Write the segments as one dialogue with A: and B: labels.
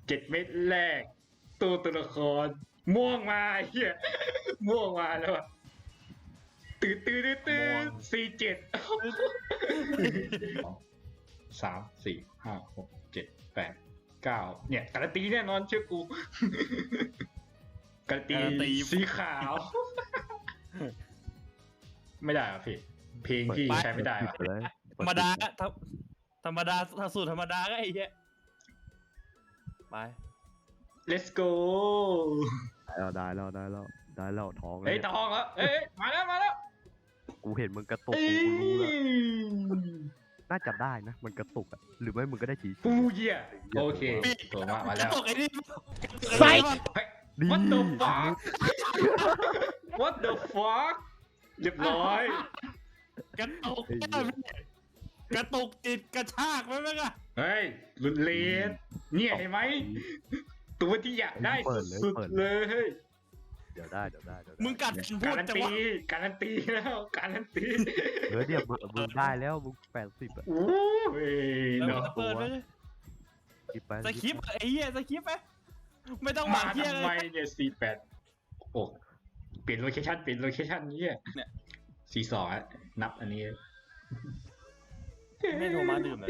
A: 7 เม็ดแรกตัวละครม่วงมาเฮียม่วงมาแล้วตื่น473 4 5 6 7 8 9เนี่ยการันตีแน่นอนเชื่อกูการันตีสีขาว ไม่ได้อ่ะพี่เพลงพี่ใช้ไม่ได้อ่ะ
B: ธรรมดาธรรมดาสูตรธรรมดาก็ไอ้เหี้ยไป
A: let's go
C: ได้แล้วท้อง
A: เฮ้ยทองเหรอเอ้ยมาแล้ว
C: กูเห็นมึงกระตุกกูรู้แล้วน่าจะได้นะมันกระตุกอ่ะหรือไม่มึงก็ได้ฉี
A: ปูเยี่ยโอเคตัวมาแล้ว
B: ตกไอ้นี่
A: ไฟ what the fuck what the fuck เรียบร้อย
B: กระตุกกระตุกจิตกระชากไหมแม่งอะ
A: เฮ้ยลุนเลนเนี่ยเห็นไหมตัวที่อยากได้สุดๆเลย
C: เดี๋ยวได้
B: มึงกัดพู
A: กา
B: ด
A: รัน
B: แต่
A: ตี
B: ว่า
A: การันตีแล้วการันตี
C: เดี๋ยวมึงได้แล้วมึง80อ่ะ
A: โอ้ยเนาะ
B: เปิดไปสคริปต์ไอ้เหี้ยสคริปต์ไหมไม่ต้องห
A: มา
B: วังเหี้ย
A: ทำ
B: เล
A: ไม
B: ย
A: เนี่ย48โอ้เปลี่ยนโลเคชั่นนี้เนี่ย42อ่ะนับอันนี้
B: ไม่โทรมาดื่มเลย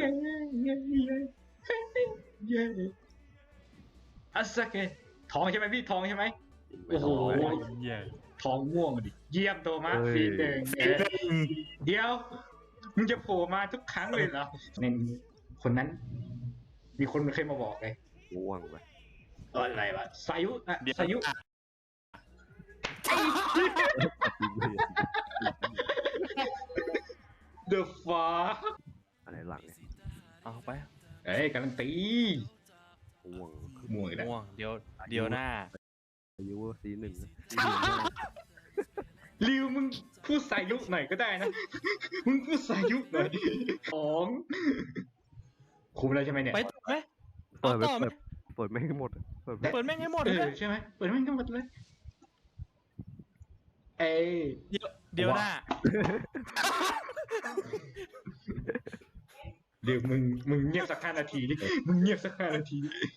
A: อัสเกะทองใช่ไหมพี่ทองใช่ไหมโอ้โห
B: เหี้ย
A: ทองม่วงดิเยี่ยมโตมากฟีหนึ่งเดี๋ยวมึงจะโผล่มาทุกครั้งเลยเหรอในคนนั้น มีคนเคยมาบอกเลย
C: ง่วงไป
A: อะไรวะสายุอะสายุ The fuck
C: อะไรหลังเนี่ย
B: เอาไป
A: เอ้ยการันตี
C: ง่วง
A: ม่วงอีกแล้ว
B: ม่วงเดี๋ยวหน้า
C: อายุสีหนึ่ง
A: ริวมึงพูดสายุหน่อยก็ได้นะ มึงพูดสายุหน่อยของคุมแล้วใช่ไหมเนี่ย
B: ไปต่อไหม
C: เปิด
B: ต่อไหม
C: เปิดไม่ให้หมดเปิด
B: เปิดแม่งให้หมด
A: เอ
B: เล
A: อย ใช่ไหมเปิดไม่ทั้งหมดเลย เอ้ย
B: เดี๋ยวหน้า
A: เดี๋ยวมึงเงียบสัก5 นาทีดิมึงเงียบสัก5 นาทีดิ